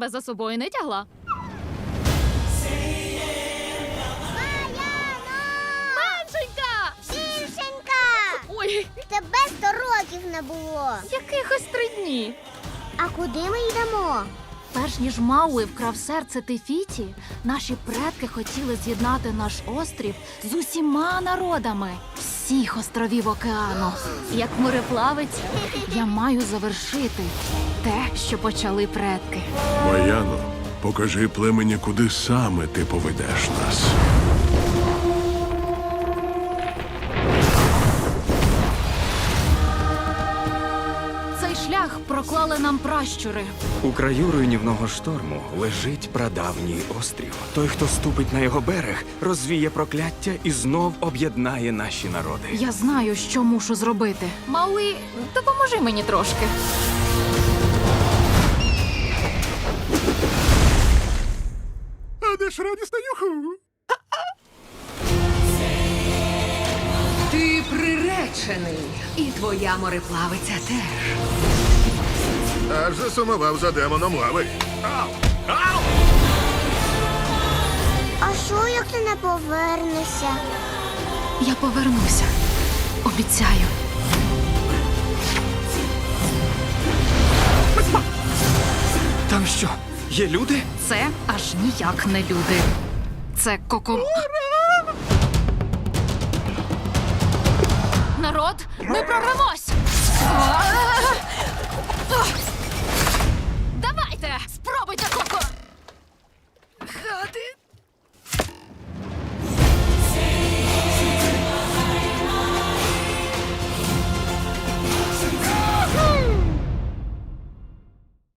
тебе за собою не тягла. Меншенька! Більшенька! Ой, Тебе 100 років не було. якихось 3 дні. А куди ми йдемо? Перш ніж Мауи вкрав серце Тефіті, наші предки хотіли з'єднати наш острів з усіма народами всіх островів океану. Як мореплавець, я маю завершити те, що почали предки. Маяно, покажи племені, куди саме ти поведеш нас. Цей шлях проклали нам пращури. У краю руйнівного шторму лежить прадавній острів. Той, хто ступить на його берег, розвіє прокляття і знов об'єднає наші народи. Я знаю, що мушу зробити. Мауи, допоможи мені трошки. А де ж радісна юху? Ти приречений, і твоя мореплавиця теж. Аж засумував за демоном лави. А що, як ти не повернешся? Я повернуся. Обіцяю. Там що, є люди? Це аж ніяк не люди. Це Народ, ми прорвемось!